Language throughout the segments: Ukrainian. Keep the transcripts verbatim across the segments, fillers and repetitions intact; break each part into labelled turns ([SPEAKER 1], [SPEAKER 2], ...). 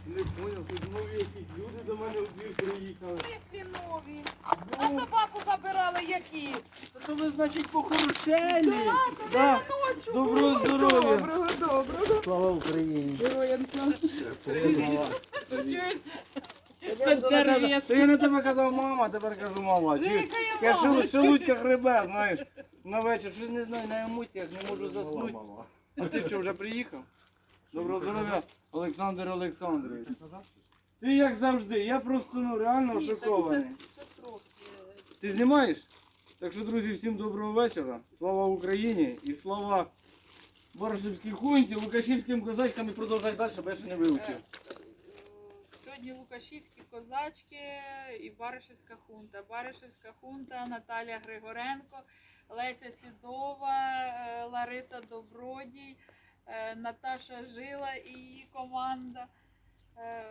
[SPEAKER 1] Не поняв, тут нові якісь люди до мене в двір приїхали.
[SPEAKER 2] Мислі нові. А собаку забирали які?
[SPEAKER 1] То ви, значить, похорошелі.
[SPEAKER 2] Да,
[SPEAKER 1] Да.
[SPEAKER 2] ночі.
[SPEAKER 1] Доброго здоров'я.
[SPEAKER 2] Доброго, доброго.
[SPEAKER 1] Слава Україні.
[SPEAKER 2] Героям слава. Чуєш?
[SPEAKER 1] Це
[SPEAKER 2] дерев'я.
[SPEAKER 1] я на тебе казав мама, тепер кажу мама. Чуєш?
[SPEAKER 2] Яка я
[SPEAKER 1] Я
[SPEAKER 2] мама?
[SPEAKER 1] шелу- шелудька хребе, знаєш. На вечір, щось не знаю, на емоціях не можу заснути. А ти що, вже приїхав? Доброго здоров'я, Олександр Олександрович. Ти як завжди, я просто ну, реально
[SPEAKER 2] Ні, так
[SPEAKER 1] шокований.
[SPEAKER 2] це- це трохи.
[SPEAKER 1] Ти знімаєш? Так що, друзі, всім доброго вечора. Слава Україні і слава Баришівській хунті, Лукашівським козачкам і продовжай далі, бо я ще не вивчив.
[SPEAKER 2] Сьогодні Лукашівські козачки і Баришівська хунта. Баришівська хунта, Наталія Григоренко, Леся Сідова, е, Лариса Добродій, е, Наташа Жила і її команда. Е,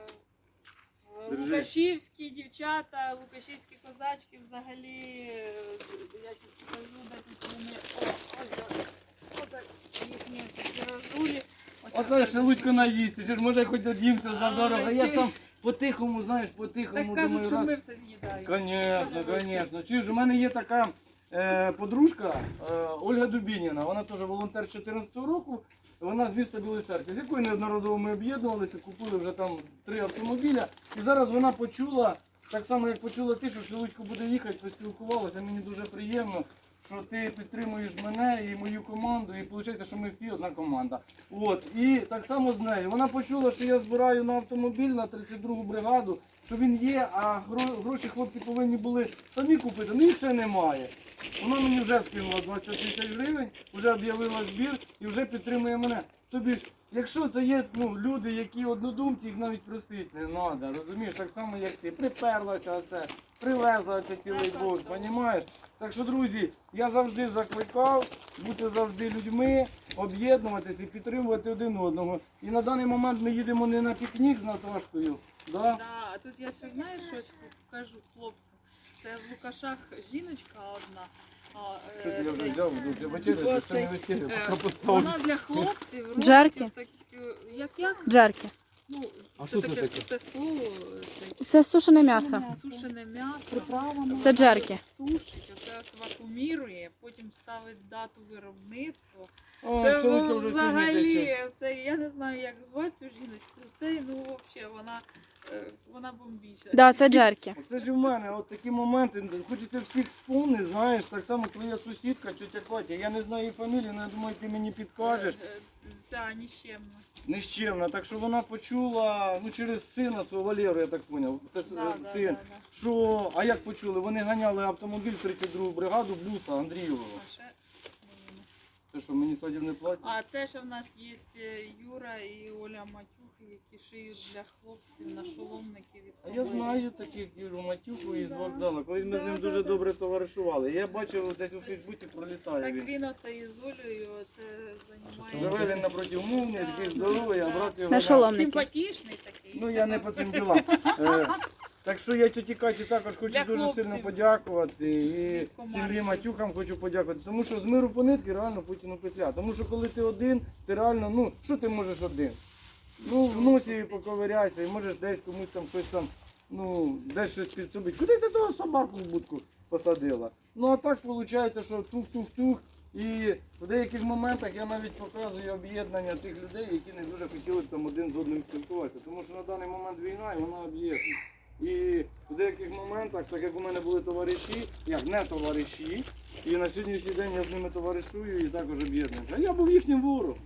[SPEAKER 1] Держи.
[SPEAKER 2] Лукашівські дівчата, Лукашівські козачки взагалі, е, я зараз покажу, де тут вони. О, ось, ось, ось їхні такі розулі. Ось
[SPEAKER 1] Оце
[SPEAKER 2] ось.
[SPEAKER 1] ще Лудько наїсти, що ж може хоч од'їмся за
[SPEAKER 2] А,
[SPEAKER 1] дорого. Я ж
[SPEAKER 2] ти
[SPEAKER 1] там
[SPEAKER 2] ж-
[SPEAKER 1] по-тихому, знаєш,
[SPEAKER 2] Так
[SPEAKER 1] по-тихому
[SPEAKER 2] кажуть,
[SPEAKER 1] думаю,
[SPEAKER 2] що
[SPEAKER 1] раз.
[SPEAKER 2] ми все з'їдаємо.
[SPEAKER 1] Звісно,
[SPEAKER 2] Кажуть,
[SPEAKER 1] звісно. Чуєш, у мене є така е, подружка е, Ольга Дубініна, вона теж волонтер з чотирнадцятого року, вона з міста Білої Церкви, з якою неодноразово ми об'єднувалися, купили вже там три автомобіля. І зараз вона почула, так само як почула ти, що Шелудько буде їхати, поспілкувалася, мені дуже приємно, що ти підтримуєш мене і мою команду, і виходить, що ми всі одна команда. От. І так само з нею. Вона почула, що я збираю на автомобіль на тридцять другу бригаду, що він є, а гро- гроші хлопці повинні були самі купити, ну їх ще немає. Вона мені вже скинула двадцять тисяч гривень, вже об'явила збір і вже підтримує мене. Тобі ж, якщо це є ну, люди, які однодумці, їх навіть просити не треба, розумієш, так само як ти, приперлася оце, привезла це цілий бок, розумієш? Так що, друзі, я завжди закликав бути завжди людьми, об'єднуватися і підтримувати один одного. І на даний момент ми їдемо не на пікнік з Наташкою, да?
[SPEAKER 2] Да, а тут я ще знаю, щось покажу хлопцям. Це в Лукашах жіночка одна. А, е,
[SPEAKER 1] Що ти я вже
[SPEAKER 2] цей-
[SPEAKER 1] взяв, вже вечеря, це не вечеря,
[SPEAKER 2] Е,
[SPEAKER 1] поки поставлю.
[SPEAKER 2] Вона для хлопців робить
[SPEAKER 3] Джерки?
[SPEAKER 2] такі, як як?
[SPEAKER 3] Джерки.
[SPEAKER 2] Ну,
[SPEAKER 1] А
[SPEAKER 2] це
[SPEAKER 1] що це
[SPEAKER 2] таке
[SPEAKER 1] таке?
[SPEAKER 2] круте слово. це
[SPEAKER 3] Це сушене м'ясо.
[SPEAKER 2] Сушене м'ясо.
[SPEAKER 3] Це джерки.
[SPEAKER 2] Сушить, оце ось вакуумірує, потім ставить дату виробництва.
[SPEAKER 1] О,
[SPEAKER 2] Це
[SPEAKER 1] Шелудько
[SPEAKER 2] ну,
[SPEAKER 1] вже
[SPEAKER 2] взагалі,
[SPEAKER 1] сьогодні
[SPEAKER 2] це, я не знаю, як звати цю жіночку. Це, ну, взагалі, вона, е, вона бомбічна.
[SPEAKER 3] Да, це джерки.
[SPEAKER 1] Це ж у мене от такі моменти, хоч ти всіх вспомни, знаєш, так само твоя сусідка, тетя Катя, я не знаю її фамілію, але я думаю, ти мені підкажеш.
[SPEAKER 2] Е, е, Ця ніщемна.
[SPEAKER 1] Нещемна, так що вона почула, ну через сина свого Валеру, я так зрозумів, це ж
[SPEAKER 2] Да,
[SPEAKER 1] е,
[SPEAKER 2] да,
[SPEAKER 1] син,
[SPEAKER 2] да, да.
[SPEAKER 1] що, а як почули, вони ганяли автомобіль тридцять другу бригаду Блюса Андрієвого.
[SPEAKER 2] А ще не знаю.
[SPEAKER 1] Це що, мені садів не платять?
[SPEAKER 2] А це ще в нас є е, Юра і Оля Матюхи, які шиють для хлопців на шоломники від
[SPEAKER 1] А я знаю таких Юру Матюку із вокзалу, колись ми з ним дуже добре товаришували. Я бачив, десь у Фейсбуці пролітає
[SPEAKER 2] Так
[SPEAKER 1] він.
[SPEAKER 2] він оце із Олею це займається.
[SPEAKER 1] Живе він напроти умовний, такий здоровий, а брат його...
[SPEAKER 3] На шоломники.
[SPEAKER 2] Симпатичний такий.
[SPEAKER 1] Ну я не по цим ділам. Е, Так що я тіті Каті також хочу
[SPEAKER 2] Для
[SPEAKER 1] дуже
[SPEAKER 2] хлопців.
[SPEAKER 1] сильно подякувати. І
[SPEAKER 2] Від команди.
[SPEAKER 1] сім'ї Матюхам хочу подякувати. Тому що з миру по нитки реально Путіну петля. Тому що коли ти один, ти реально, ну, що ти можеш один? Ну, в носі поковиряйся і можеш десь комусь там щось там, ну, десь щось підсобити. Куди ти того собаку в будку посадила? Ну а так виходить, що тух-тух-тух. І в деяких моментах я навіть показую об'єднання тих людей, які не дуже хотіли б там один з одним спілкуватися. Тому що на даний момент війна і вона об'єднує. І в деяких моментах, так як у мене були товариші, як не товариші, і на сьогоднішній день я з ними товаришую і також об'єднуюся. А я був їхнім ворогом.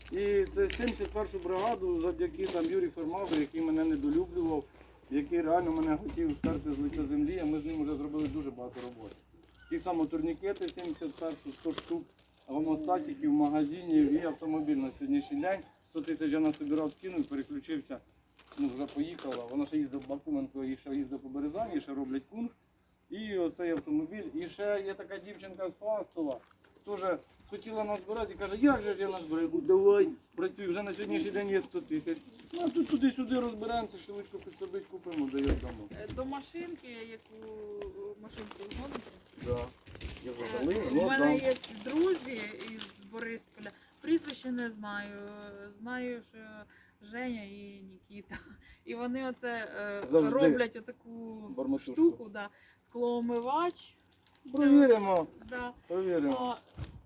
[SPEAKER 1] І це сімдесят першу бригаду завдяки там Юрію Фермагу, який мене недолюблював, який реально мене хотів стерти з лиця землі, а ми з ним вже зробили дуже багато роботи. Ті самі турнікети сімдесят першу, сто штук, гомостатиків, магазинів і автомобіль на сьогоднішній день. сто тисяч я насобирав, скинув, переключився, ну вже поїхала. Вона ще їздив в Бакуменко, і ще їздив по Березані, і ще роблять кунг. І оцей автомобіль. І ще є така дівчинка з Фастова, теж хотіла нас збирати і каже, як же ж я назбираю? Я кажу, давай, працюй, вже на сьогоднішній день є сто тисяч. Ну а тут туди-сюди розберемося, швидко підсобить, купимо, дає дамо.
[SPEAKER 2] Е, До машинки, яку машинку згодити.
[SPEAKER 1] Да. Я
[SPEAKER 2] Е,
[SPEAKER 1] завалив,
[SPEAKER 2] У
[SPEAKER 1] ну
[SPEAKER 2] мене
[SPEAKER 1] там.
[SPEAKER 2] є друзі із Борисполя. Прізвище не знаю. Знаю, що Женя і Нікіта. І вони оце е,
[SPEAKER 1] Завжди.
[SPEAKER 2] роблять отаку
[SPEAKER 1] Барматушку.
[SPEAKER 2] штуку, да, склоомивач.
[SPEAKER 1] Провіримо,
[SPEAKER 2] Да.
[SPEAKER 1] провіримо.
[SPEAKER 2] А,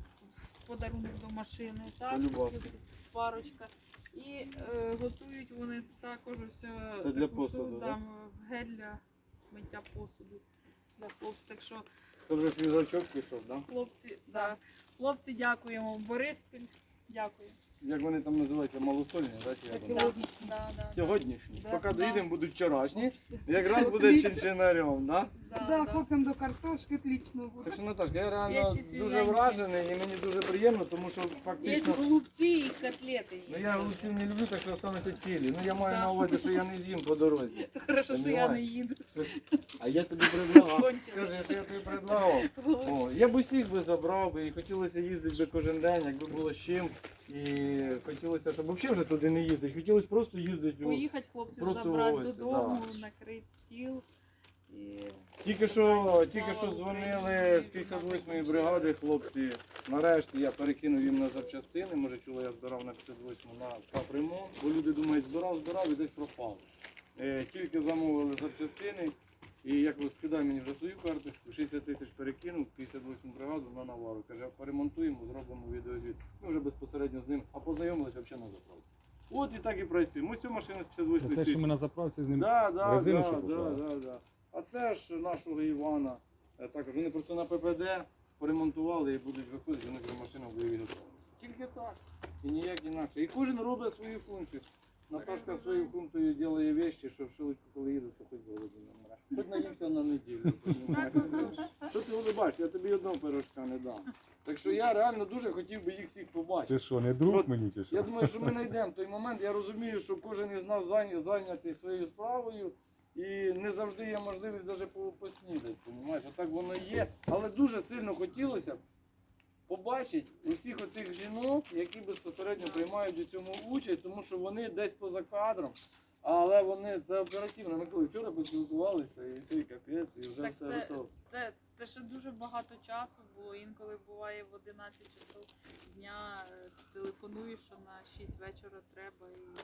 [SPEAKER 2] в подарунок до машини, так?
[SPEAKER 1] Полюбовно.
[SPEAKER 2] Парочка. І е, готують вони також ось е,
[SPEAKER 1] Це для
[SPEAKER 2] таку
[SPEAKER 1] посуду,
[SPEAKER 2] штуку,
[SPEAKER 1] да?
[SPEAKER 2] да, гель для миття посуду. Для посуду. Так що
[SPEAKER 1] Це вже свіжачок пішов, так? Да?
[SPEAKER 2] хлопці, да, хлопці, дякуємо. Бориспіль, дякую.
[SPEAKER 1] Як вони там називаються, малосольні, так? Чи як вони?
[SPEAKER 2] Да, да, да.
[SPEAKER 1] Сьогоднішні.
[SPEAKER 2] Да,
[SPEAKER 1] Поки
[SPEAKER 2] да.
[SPEAKER 1] доїдемо, будуть вчорашні. Якраз буде
[SPEAKER 3] Отлично.
[SPEAKER 1] чинчинарем, так?
[SPEAKER 2] Да,
[SPEAKER 3] Да,
[SPEAKER 2] да.
[SPEAKER 3] хлопцям до картошки отлично
[SPEAKER 1] Так
[SPEAKER 3] буде.
[SPEAKER 1] що, Наташка, я реально
[SPEAKER 2] Є ці
[SPEAKER 1] дуже
[SPEAKER 2] свіженькі.
[SPEAKER 1] вражений і мені дуже приємно, тому що
[SPEAKER 2] Є
[SPEAKER 1] фактично...
[SPEAKER 2] голубці і котлети. є.
[SPEAKER 1] Ну я голубців не люблю, так що остануться цілі. Ну я маю
[SPEAKER 2] Да.
[SPEAKER 1] на увазі, що я не з'їм по дорозі.
[SPEAKER 2] То хорошо, що я не їду.
[SPEAKER 1] А я тобі предлагав.
[SPEAKER 2] Кончилось.
[SPEAKER 1] Скажи, що я тобі предлагав. О, я б усіх би забрав би і хотілося їздити би кожен день, якби було з чим. І хотілося, щоб взагалі вже туди не їздити. Хотілося просто їздити. о.
[SPEAKER 2] Поїхати хлопців
[SPEAKER 1] Просто
[SPEAKER 2] забрати
[SPEAKER 1] гості,
[SPEAKER 2] додому, накрити стіл. І...
[SPEAKER 1] Тільки що, тільки що дзвонили з п'ятдесят восьмої бригади хлопці. Нарешті я перекинув їм на запчастини. Може чули, я збирав на п'ятдесят восьму на капремонт. Бо люди думають, збирав, збирав і десь пропав. Е, тільки замовили запчастини. І як ви скидай мені вже свою карточку, шістдесят тисяч перекинув, п'ятдесят восьму бригаду на навару. Каже, поремонтуємо, зробимо відеозвіт. Ми вже безпосередньо з ним, а познайомилися взагалі на заправці. От і так і працюємо. Ось цю машину з п'ятдесят восьмої
[SPEAKER 4] Це те, що ми на заправці з ним.
[SPEAKER 1] Да, да,
[SPEAKER 4] резину,
[SPEAKER 1] да,
[SPEAKER 4] що
[SPEAKER 1] да,
[SPEAKER 4] купили?
[SPEAKER 1] да, да. А це ж нашого Івана. е, Також вони просто на ППД поремонтували і будуть виходити, вони вже машина буде відготовлена. Тільки так. І ніяк інакше. І кожен робить свою функцію. Наташка своєю функцією робить вещі, що в шилочку, коли їду, то хоч голоду не мре. Хоч наїмся на неділю. понімаєш? Що ти улибаєш? Я тобі одного пирожка не дам. Так що я реально дуже хотів би їх всіх побачити.
[SPEAKER 4] Ти що, не друг
[SPEAKER 1] От
[SPEAKER 4] мені чи що?
[SPEAKER 1] Я думаю, що ми знайдемо той момент. Я розумію, що кожен із нас зайня- зайнятий своєю справою. І не завжди є можливість навіть по- поснідати, розумієш? А так воно є. Але дуже сильно хотілося б побачити усіх отих жінок, які безпосередньо приймають у цьому участь, тому що вони десь поза кадром. Але вони це оперативно. Ми коли вчора поспілкувалися, і все, і капець, і вже
[SPEAKER 2] Так
[SPEAKER 1] все
[SPEAKER 2] це-
[SPEAKER 1] готово.
[SPEAKER 2] Це, це ще дуже багато часу було. Інколи буває в одинадцять часов дня е, телефонуєш, що на шість вечора треба. І...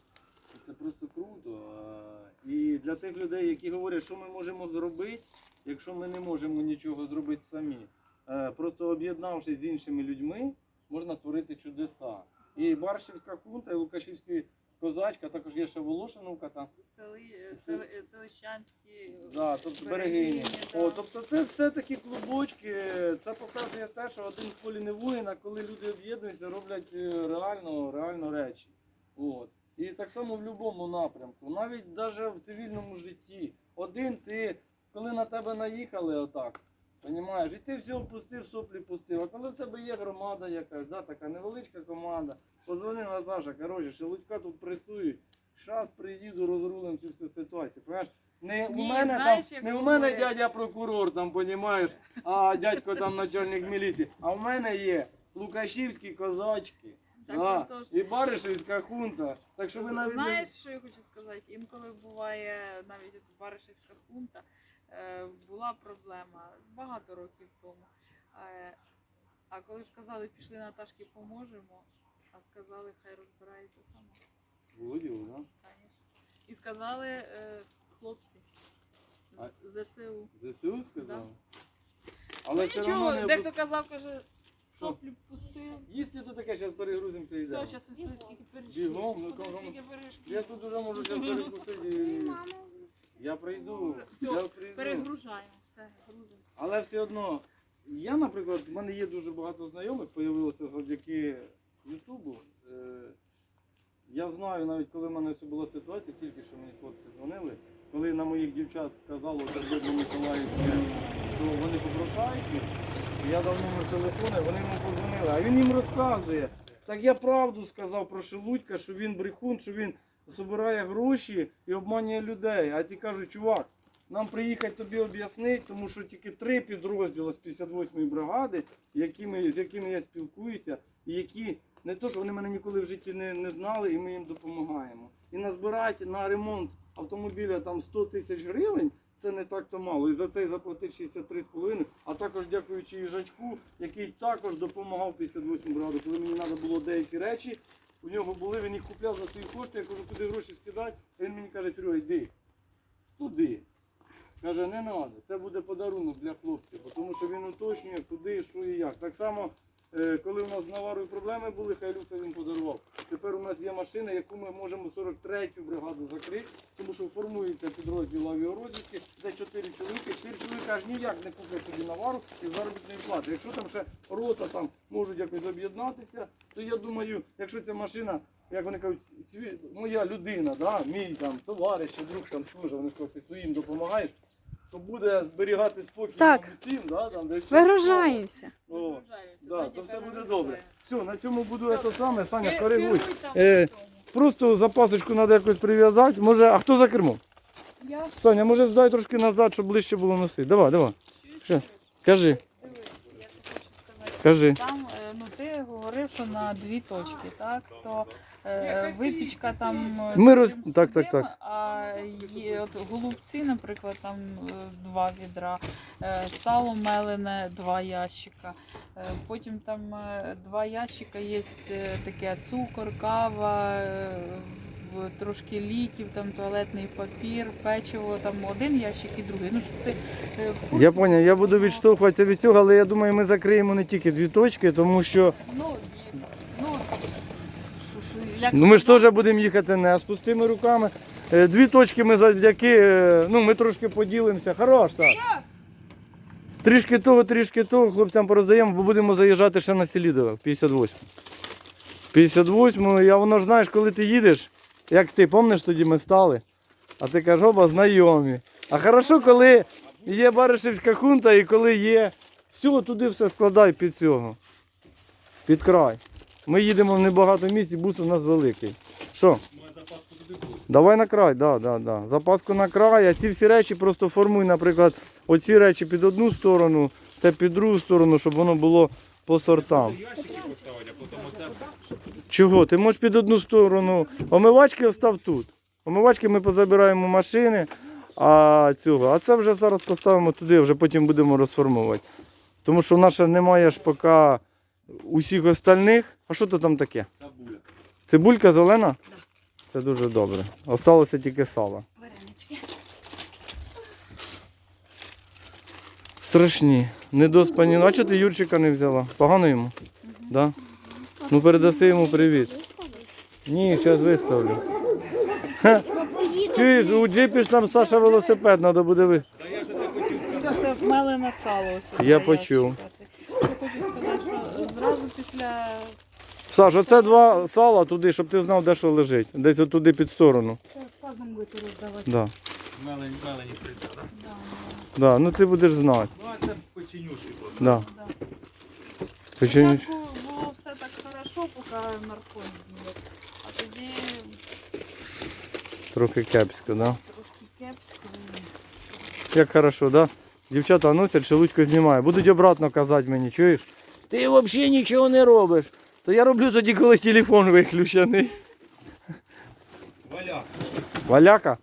[SPEAKER 1] Це просто круто. А, І для тих людей, які говорять, що ми можемо зробити, якщо ми не можемо нічого зробити самі. Е, Просто об'єднавшись з іншими людьми, можна творити чудеса. І Баршівська хунта, і Лукашівська козачка, також є ще Волошиновка там.
[SPEAKER 2] Сели, е, сели, е, селищанські
[SPEAKER 1] Да, тобто берегині.
[SPEAKER 2] да.
[SPEAKER 1] О, тобто це все такі клубочки. Це показує те, що один в полі не воїн, а коли люди об'єднуються, роблять е, реально, реально речі. От. І так само в будь-якому напрямку, навіть навіть в цивільному житті. Один ти, коли на тебе наїхали отак, розумієш, і ти все пустив, соплі пустив. А коли в тебе є громада якась, да, така невеличка команда, позвони Наташа, коротше, шелудька тут пресують, щас приїду, розрулим цю всю ситуацію. Понимаєш? Не у
[SPEAKER 2] Ні,
[SPEAKER 1] мене
[SPEAKER 2] знаєш,
[SPEAKER 1] там,
[SPEAKER 2] як
[SPEAKER 1] не у мене
[SPEAKER 2] говорять.
[SPEAKER 1] дядя прокурор, там, понімаєш, а дядько там начальник міліції, а у мене є лукашівські козачки.
[SPEAKER 2] Так,
[SPEAKER 1] Да,
[SPEAKER 2] отож.
[SPEAKER 1] і Баришівська хунта. Так що ви навіть не-
[SPEAKER 2] Знаєш, що я хочу сказати? Інколи буває навіть от Баришівська хунта, е, була проблема багато років тому. Е, а коли сказали, пішли Наташки, поможемо, а сказали, хай розбирається сама.
[SPEAKER 1] Володіло, да?
[SPEAKER 2] Конечно. І сказали е, хлопці
[SPEAKER 1] А-
[SPEAKER 2] з ЗСУ.
[SPEAKER 1] ЗСУ сказав?
[SPEAKER 2] Да.
[SPEAKER 1] Але
[SPEAKER 2] Ну
[SPEAKER 1] все
[SPEAKER 2] нічого,
[SPEAKER 1] одно не
[SPEAKER 2] дехто казав, каже, соплі пустив.
[SPEAKER 1] їсти то таке, зараз перегрузимося і
[SPEAKER 2] Все,
[SPEAKER 1] йдемо.
[SPEAKER 2] зараз із скільки пиріжків.
[SPEAKER 1] Бігом, ну,
[SPEAKER 2] Куди
[SPEAKER 1] кого-
[SPEAKER 2] скільки пиріжків?
[SPEAKER 1] Я тут уже можу зараз перекусити. і- Я прийду,
[SPEAKER 2] Все,
[SPEAKER 1] я прийду.
[SPEAKER 2] Перегружаємо, все, грузимо.
[SPEAKER 1] Але все одно, я, наприклад, в мене є дуже багато знайомих, появилося завдяки Ютубу. Е, Я знаю, навіть коли в мене це була ситуація, тільки що мені хлопці дзвонили, коли на моїх дівчат сказало Сердобно Миколаївське, що вони попрошають, я дав номер телефону, вони йому подзвонили, а він їм розказує. Так я правду сказав про Шелудька, що він брехун, що він збирає гроші і обманює людей. А ті кажуть, чувак, нам приїхати тобі об'яснити, тому що тільки три підрозділи з п'ятдесят восьмої бригади, якими, з якими я спілкуюся, і які не то, що вони мене ніколи в житті не, не знали, і ми їм допомагаємо. І назбирати на ремонт автомобіля там сто тисяч гривень, це не так-то мало. І за це заплатив шістдесят три з половиною, а також дякуючи їжачку, який також допомагав п'ятдесят восьмій бригаді, коли мені треба було деякі речі у нього були, він їх купляв за свої кошти, я кажу, куди гроші скидати, а він мені каже, Серега, йди, туди. Каже, не треба, це буде подарунок для хлопців, бо тому що він уточнює, куди, що і як. Так само, е, коли у нас з Наварою проблеми були, хай Люкса він подарував. Тепер у нас є машина, яку ми можемо сорок третю бригаду закрити, тому що формується підрозділ авіарозвідки, де чотири чоловіки, чотири чоловіка аж ніяк не куплять собі Навару із заробітної плати. Якщо там ще рота там можуть якось об'єднатися, то я думаю, якщо ця машина, як вони кажуть, сві... моя людина, да, мій там товариш, чи друг там служить, вони кажуть, ти своїм допомагаєш, то буде зберігати спокій
[SPEAKER 3] Так.
[SPEAKER 1] нам усім, да, там, де щось
[SPEAKER 3] Вигружаємося.
[SPEAKER 1] О,
[SPEAKER 2] Вигружаємося,
[SPEAKER 1] да,
[SPEAKER 2] Даня
[SPEAKER 1] то все буде
[SPEAKER 2] перегружає.
[SPEAKER 1] добре. Все, на цьому буду
[SPEAKER 2] Все.
[SPEAKER 1] це саме, Саня,
[SPEAKER 2] Ки-
[SPEAKER 1] коригуй.
[SPEAKER 2] керуй там
[SPEAKER 1] Е,
[SPEAKER 2] в тому.
[SPEAKER 1] Просто запасочку треба якось прив'язати. Може, а хто за кермом?
[SPEAKER 2] Я
[SPEAKER 1] Саня, може здай трошки назад, щоб ближче було носити. Давай, давай. Що? Кажи,
[SPEAKER 2] дивись, я тобі хочу сказати.
[SPEAKER 1] кажи.
[SPEAKER 2] Там, е, ну ти говорив, що на дві точки, так? То е, випічка там е,
[SPEAKER 1] Ми роз-
[SPEAKER 2] тим
[SPEAKER 1] так, так,
[SPEAKER 2] сюдим,
[SPEAKER 1] так.
[SPEAKER 2] а є от голубці, наприклад, там е, два відра, е, сало мелене, два ящика. Е, Потім там е, два ящика є е, таке цукор, кава, е, в- трошки ліків, там туалетний папір, печиво, там один ящик і другий. Ну, щоб ти, е, в курсі
[SPEAKER 1] Я зрозумів, я буду
[SPEAKER 2] було.
[SPEAKER 1] відштовхуватися від цього, але я думаю, ми закриємо не тільки дві точки, тому що
[SPEAKER 2] Ну, і- ну, що- що, як
[SPEAKER 1] ну, ми ж
[SPEAKER 2] сказати,
[SPEAKER 1] теж будемо їхати не з пустими руками. Е, Дві точки ми завдяки, е, ну ми трошки поділимося. Хорош, так. Трішки того, трішки того, хлопцям пороздаємо, бо будемо заїжджати ще на Селідове, п'ятдесят восьму. п'ятдесят восьму, я воно ж знаєш, коли ти їдеш, як ти, пам'ятаєш, тоді ми стали, а ти кажеш, оба знайомі. А хорошо, коли є Баришівська хунта і коли є, все, туди все складай під цього, під край. Ми їдемо в небагато місць, і бус у нас великий. Що? Давай на край, да, да, да. Запаску на край, а ці всі речі просто формуй, наприклад, оці речі під одну сторону, те під другу сторону, щоб воно було по сортам. Чого? Ти можеш під одну сторону. Омивачки остав тут. Омивачки ми позабираємо машини, а цього. А це вже зараз поставимо туди, вже потім будемо розформувати. Тому що в нас ще немає ж поки усіх остальних. А що то там таке?
[SPEAKER 4] Цибуля.
[SPEAKER 1] Цибулька зелена? Це дуже добре. Осталося тільки сало.
[SPEAKER 3] Варенички.
[SPEAKER 1] Страшні. Недоспані. А чого ти Юрчика не взяла? Погано йому? Да? Ну передаси йому привіт. Ні, зараз виставлю. Ха. Чуєш, у джипі ж там Саша велосипед, треба буде ви.
[SPEAKER 2] Це мелене сало. Ось
[SPEAKER 1] Я
[SPEAKER 2] два
[SPEAKER 1] почув.
[SPEAKER 2] ящика. Це- Я хочу сказати, що зразу після
[SPEAKER 1] Саш, оце два сала туди, щоб ти знав, де що лежить. Десь отуди під сторону.
[SPEAKER 3] Разом будете роздавати.
[SPEAKER 1] Да.
[SPEAKER 4] Мелені, мелені сельця, так?
[SPEAKER 2] да,
[SPEAKER 1] Да. Ну ти будеш знати.
[SPEAKER 4] Ну, а це печенюшки просто.
[SPEAKER 1] Да.
[SPEAKER 2] да.
[SPEAKER 1] Печені-
[SPEAKER 2] Спочатку було все так хорошо, поки наркоз з'їв. А тоді
[SPEAKER 1] Трохи кепсько, да?
[SPEAKER 2] трошки кепсько.
[SPEAKER 1] Як хорошо, да? Дівчата носять, шелудько знімає. Будуть обратно казати мені, чуєш? Ти взагалі нічого не робиш. То я роблю тоді, коли телефон виключений.
[SPEAKER 4] Валя.
[SPEAKER 1] Валяка?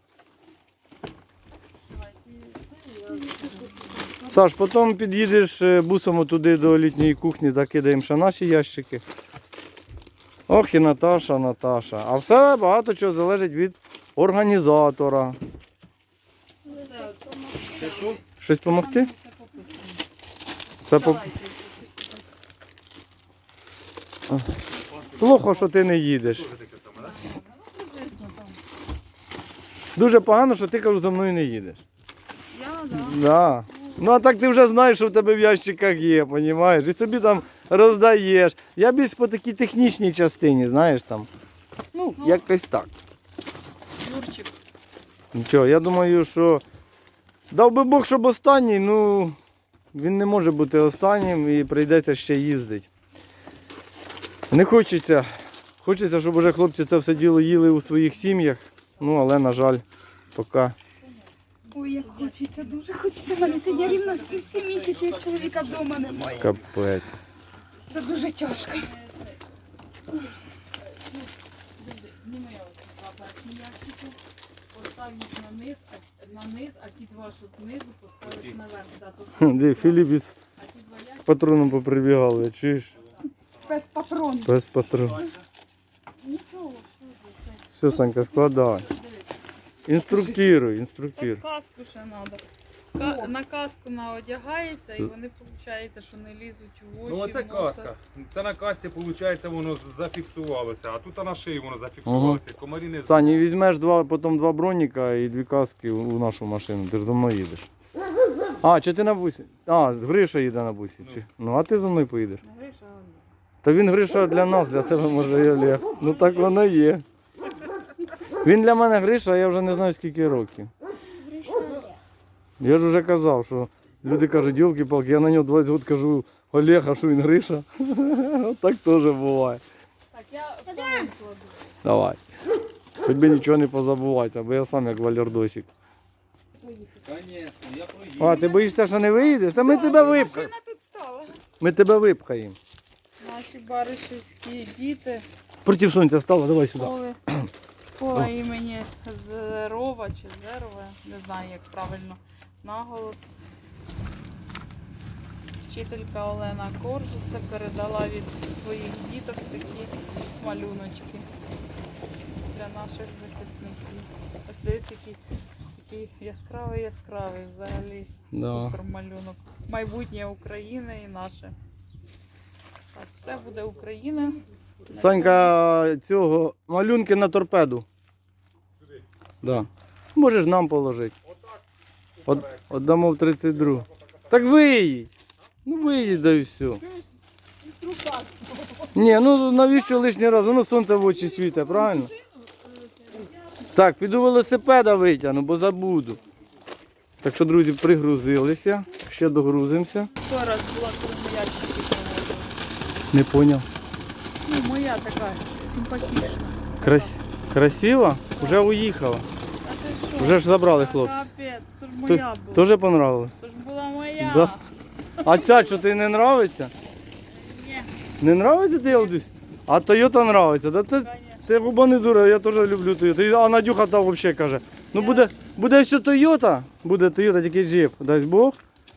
[SPEAKER 1] Саш, потім під'їдеш е, бусом туди до літньої кухні, да кидаємо ще наші ящики. Ох і Наташа, Наташа. А все багато чого залежить від організатора.
[SPEAKER 2] Все,
[SPEAKER 4] Це що?
[SPEAKER 1] Щось допомогти?
[SPEAKER 2] все пописано.
[SPEAKER 1] Це по...
[SPEAKER 2] Давайте.
[SPEAKER 1] Плохо, що ти не їдеш.
[SPEAKER 4] Тоже таке саме, так?
[SPEAKER 2] Ну, приблизно там.
[SPEAKER 1] Дуже погано, що ти, кажу, за мною не їдеш.
[SPEAKER 2] Я, да.
[SPEAKER 1] Да. Ну а так ти вже знаєш, що в тебе в ящиках є, розумієш? І собі там роздаєш. Я більш по такій технічній частині, знаєш там. Ну,
[SPEAKER 2] Ну.
[SPEAKER 1] якось так.
[SPEAKER 2] Юрчик.
[SPEAKER 1] Нічого, я думаю, що дав би Бог, щоб останній, ну він не може бути останнім і прийдеться ще їздити. Не хочеться. Хочеться, щоб уже хлопці це все діло їли у своїх сім'ях. Ну, але, на жаль, поки.
[SPEAKER 3] Ой, як хочеться, дуже хочеться. У мене сьогодні рівно сім місяців, як чоловіка вдома немає.
[SPEAKER 1] Капець.
[SPEAKER 3] Це дуже тяжко.
[SPEAKER 2] Зніми два першні ящики, постав їх на низ, а, на низ, а ті два, що знизу, поставиш наверх. Да, то,
[SPEAKER 1] Де Філіп із
[SPEAKER 2] а ті два ящики,
[SPEAKER 1] патроном поприбігали, чуєш?
[SPEAKER 3] Без патронів.
[SPEAKER 1] Без патронів.
[SPEAKER 3] Ні,
[SPEAKER 1] Все, Санька, складай. Інструктируй, інструктируй.
[SPEAKER 2] Тут каску ще треба. Ка- на каску наодягається і вони, виходить, що не лізуть в очі.
[SPEAKER 4] Ну оце
[SPEAKER 2] в носа.
[SPEAKER 4] каска. Це на касі, виходить, воно зафіксувалося, а тут на шиї воно зафіксувалося. Комарі не
[SPEAKER 1] Саня, візьмеш два, потім два броніка і дві каски у нашу машину. Ти ж за мною їдеш. А, чи ти на бусі? А, Гриша їде на бусі. Чи? Ну, а ти за мною поїдеш.
[SPEAKER 2] Гриша, он.
[SPEAKER 1] Та він Гриша для нас, для тебе може і Олег. Ну так воно є. Він для мене Гриша, а я вже не знаю скільки років. Я ж вже казав, що люди кажуть, йолки-палки, я на нього двадцять років кажу, Олег, а що він Гриша? Так теж буває.
[SPEAKER 2] Так, я в салон кладу.
[SPEAKER 1] Давай. Хоч би нічого не позабувати, бо я сам як валярдосик.
[SPEAKER 4] Звісно, я проїду.
[SPEAKER 1] А, ти боїшся, що не виїдеш? Та ми тебе випхаємо.
[SPEAKER 3] Машина тут стала.
[SPEAKER 1] Ми тебе випхаємо.
[SPEAKER 2] Наші баришівські діти
[SPEAKER 1] Проти сонця стало, давай сюди.
[SPEAKER 2] школи по імені Зерова чи Зерова, не знаю як правильно наголос. Вчителька Олена Коржиця передала від своїх діток такі малюночки для наших захисників. Ось десь який, який яскравий яскравий взагалі
[SPEAKER 1] Да.
[SPEAKER 2] супер малюнок. Майбутнє України і наше. Так, все буде Україна.
[SPEAKER 1] Санька, цього малюнки на торпеду. Да. Можеш нам положити. От, отдамо в тридцять другу. Так виїдь. Ну виїдь, да і все. Ні, ну навіщо лишній раз? Воно сонце в очі світить, правильно? Так, піду велосипеда витягну, бо забуду. Так що, друзі, пригрузилися. Ще догрузимося.
[SPEAKER 2] Сто раз була, коли моя тільки проводила.
[SPEAKER 1] Не поняв.
[SPEAKER 2] Ну, моя така симпатична.
[SPEAKER 1] Крас... Красиво? Вже уїхала.
[SPEAKER 2] А ти що?
[SPEAKER 1] Вже ж забрали
[SPEAKER 2] Та
[SPEAKER 1] хлопці.
[SPEAKER 2] Капець, то ж
[SPEAKER 1] Т-
[SPEAKER 2] моя була.
[SPEAKER 1] Тоже понравилось?
[SPEAKER 2] То ж була моя.
[SPEAKER 1] Да. А ця що ти не нравиться?
[SPEAKER 2] Ні,
[SPEAKER 1] Не нравиться ти Audi? А Toyota нравиться. Да ти,
[SPEAKER 2] конечно.
[SPEAKER 1] ти губа не дура, я теж люблю Toyota. А Надюха там взагалі каже, ну буде, буде все Toyota, буде Toyota, тільки джип, дасть Бог.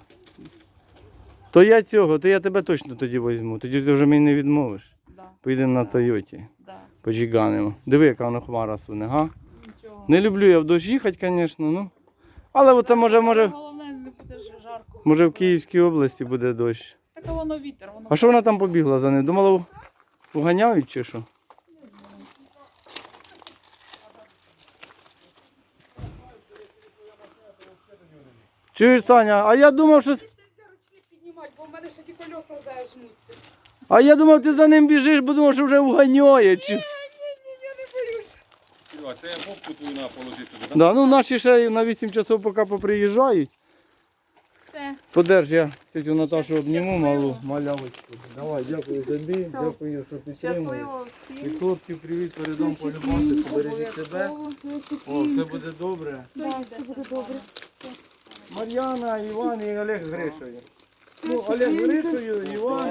[SPEAKER 1] То я цього, то я тебе точно тоді візьму. Тоді ти вже мені не відмовиш.
[SPEAKER 2] Да,
[SPEAKER 1] Поїдемо на Тойоті,
[SPEAKER 2] да,
[SPEAKER 1] поджиганимо. Диви, яка воно хмара суне, га?
[SPEAKER 2] нічого.
[SPEAKER 1] Не люблю я в дощ їхати, звісно, ну. Але оце може, може,
[SPEAKER 2] Головне, не буде ж жарко.
[SPEAKER 1] може в Київській області буде дощ.
[SPEAKER 2] Так а воно вітер, воно.
[SPEAKER 1] А що вона там побігла за ним? Думала, уганяють чи що? Чуєш, Саня, а я думав, що.
[SPEAKER 3] Нельзя ручник піднімати, бо в мене ще ті колеса зажмуться.
[SPEAKER 1] А я думав, ти за ним біжиш, бо думав, що вже уганяє. Чи...
[SPEAKER 3] Ні, ні, я не боюсь.
[SPEAKER 4] А це я попку твою на положити туди, так?
[SPEAKER 1] Да, ну наші ще на вісім часов поки поприїжджають.
[SPEAKER 2] Все.
[SPEAKER 1] Подерж, я тетю Наташу обніму,
[SPEAKER 2] Щасливо.
[SPEAKER 1] малу малявочку. Давай, дякую тобі,
[SPEAKER 2] Все.
[SPEAKER 1] дякую, що підтримуєш.
[SPEAKER 2] Щасливо
[SPEAKER 1] І
[SPEAKER 2] всім.
[SPEAKER 1] хлопців привіт передам полюбати, бережіть себе. О, все буде добре.
[SPEAKER 3] Да, все буде добре.
[SPEAKER 1] Мар'яна, Іван і Олег Гришою. Ну, Олег Гришою, Іван.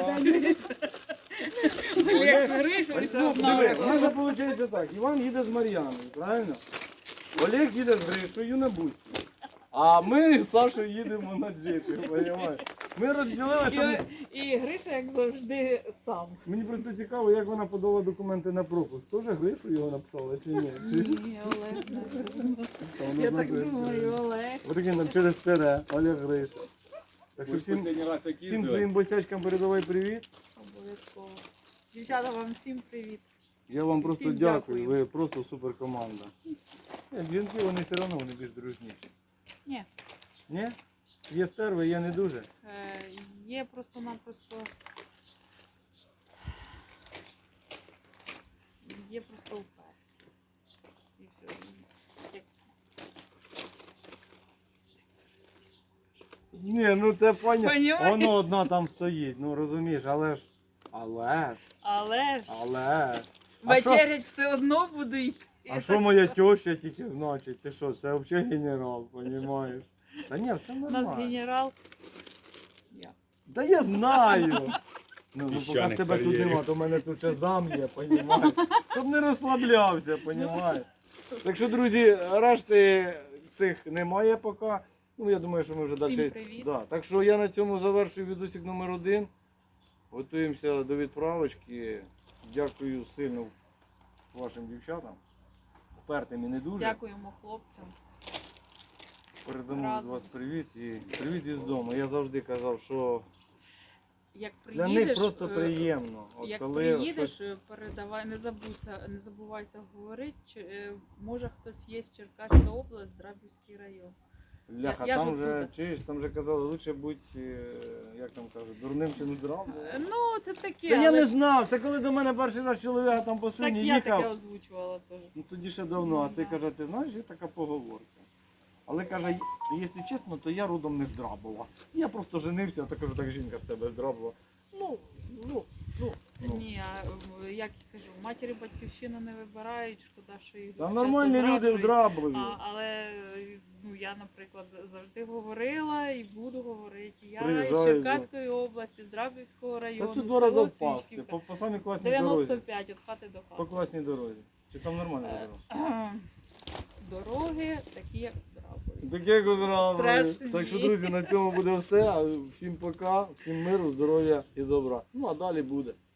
[SPEAKER 2] Олег Гриша, це одна
[SPEAKER 1] Диви,
[SPEAKER 2] особа.
[SPEAKER 1] у нас же виходить так. Іван їде з Мар'яною, правильно? Олег їде з Гришою на бусі. А ми з Сашою їдемо на джипі, розумієш? Ми розділили, що ми...
[SPEAKER 2] І, і Гриша, як завжди, сам.
[SPEAKER 1] Мені просто цікаво, як вона подала документи на пропуск. Теж Гришу його написала чи ні? Чи...
[SPEAKER 2] Ні, Олег.
[SPEAKER 1] Та вона
[SPEAKER 2] Я так
[SPEAKER 1] знає,
[SPEAKER 2] думаю, Олег.
[SPEAKER 1] Отакий нам через тере, Олег Гриша. Так що
[SPEAKER 4] Ми ж
[SPEAKER 1] всім,
[SPEAKER 4] останній раз як
[SPEAKER 1] всім
[SPEAKER 4] їздили.
[SPEAKER 1] своїм бостячкам передавай привіт.
[SPEAKER 2] Обов'язково. Дівчата, вам всім привіт.
[SPEAKER 1] Я вам просто
[SPEAKER 2] Всім
[SPEAKER 1] дякую,
[SPEAKER 2] дякую.
[SPEAKER 1] ви просто супер команда. Жінки вони все одно вони більш дружніші.
[SPEAKER 2] Ні.
[SPEAKER 1] Ні? Є стерви, є не дуже.
[SPEAKER 2] Е, є просто-напросто. Є просто упер. І все. Як
[SPEAKER 1] Ні, ну це пані.
[SPEAKER 2] Понімаєш?
[SPEAKER 1] Воно одна там стоїть, ну розумієш, але ж. Але ж.
[SPEAKER 2] Але ж
[SPEAKER 1] Але ж. А що-
[SPEAKER 2] вечерять все одно буду йти.
[SPEAKER 1] А що моя теща тільки значить? Ти що, це взагалі генерал, розумієш? Та ні, все
[SPEAKER 2] У нас
[SPEAKER 1] нормально.
[SPEAKER 2] генерал. Я.
[SPEAKER 1] Та я знаю. Ну, ну поки
[SPEAKER 4] Піщаник
[SPEAKER 1] тебе тут
[SPEAKER 4] кар'єрі.
[SPEAKER 1] нема, то в мене тут ще зам є, розумієш? Щоб не розслаблявся, розумієш? Так що, друзі, решти цих немає поки. Ну, я думаю, що ми вже
[SPEAKER 2] Всім
[SPEAKER 1] далі.
[SPEAKER 2] привіт.
[SPEAKER 1] Да. Так що я на цьому завершую відосик номер один. Готуємося до відправочки. Дякую сильно вашим дівчатам. впертим і не дуже.
[SPEAKER 2] Дякуємо хлопцям.
[SPEAKER 1] Передамо від
[SPEAKER 2] Разом.
[SPEAKER 1] вас привіт і привіт із дому. Я завжди казав, що
[SPEAKER 2] Як
[SPEAKER 1] для
[SPEAKER 2] приїдеш,
[SPEAKER 1] них просто
[SPEAKER 2] е,
[SPEAKER 1] приємно. От
[SPEAKER 2] Як
[SPEAKER 1] коли
[SPEAKER 2] приїдеш,
[SPEAKER 1] щось-
[SPEAKER 2] передавай, не забудься, не забувайся говорити, чи, е, може хтось є з Черкаська область, Драбівський район.
[SPEAKER 1] Бляха,
[SPEAKER 2] я ж
[SPEAKER 1] там вже,
[SPEAKER 2] оттуда.
[SPEAKER 1] чуєш, там вже казали, лучше будь, е, як там кажуть, дурним чи не здравим.
[SPEAKER 2] Е, Ну, це таке,
[SPEAKER 1] Та я
[SPEAKER 2] але
[SPEAKER 1] не
[SPEAKER 2] ж-
[SPEAKER 1] знав, це коли до мене перший раз чоловіка там по
[SPEAKER 2] так
[SPEAKER 1] свині
[SPEAKER 2] я таке
[SPEAKER 1] їхав.
[SPEAKER 2] озвучувала теж.
[SPEAKER 1] Ну тоді ще давно, а ти
[SPEAKER 2] Да.
[SPEAKER 1] каже, ти знаєш, є така поговорка. Але каже, якщо чесно, то я родом не з Драбова. Я просто женився, а то кажу, так жінка з тебе з Драбова. Ну, ну, ну. ну.
[SPEAKER 2] Ні, а, е, як я кажу, матері батьківщину не вибирають, шкода, що їх
[SPEAKER 1] Та
[SPEAKER 2] дуже
[SPEAKER 1] нормальні
[SPEAKER 2] часто
[SPEAKER 1] люди в
[SPEAKER 2] зраджують.
[SPEAKER 1] Драбові.
[SPEAKER 2] А, але е, ну, я, наприклад, за- завжди говорила і буду говорити. Я
[SPEAKER 1] Приїжджаю,
[SPEAKER 2] з Черкаської області, з Драбівського
[SPEAKER 1] Та
[SPEAKER 2] району,
[SPEAKER 1] тут два рази
[SPEAKER 2] село
[SPEAKER 1] впасти,
[SPEAKER 2] Свічківка.
[SPEAKER 1] по, по самій класній
[SPEAKER 2] дев'яносто
[SPEAKER 1] дорозі.
[SPEAKER 2] п'ять від хати до
[SPEAKER 1] По
[SPEAKER 2] хати.
[SPEAKER 1] класній дорозі. Чи там нормальна
[SPEAKER 2] Е,
[SPEAKER 1] дорога?
[SPEAKER 2] Дороги такі, як в Драбові.
[SPEAKER 1] Таке Драбові.
[SPEAKER 2] Страшні.
[SPEAKER 1] Так що, друзі, на цьому буде все. А всім пока, всім миру, здоров'я і добра. Ну а далі буде.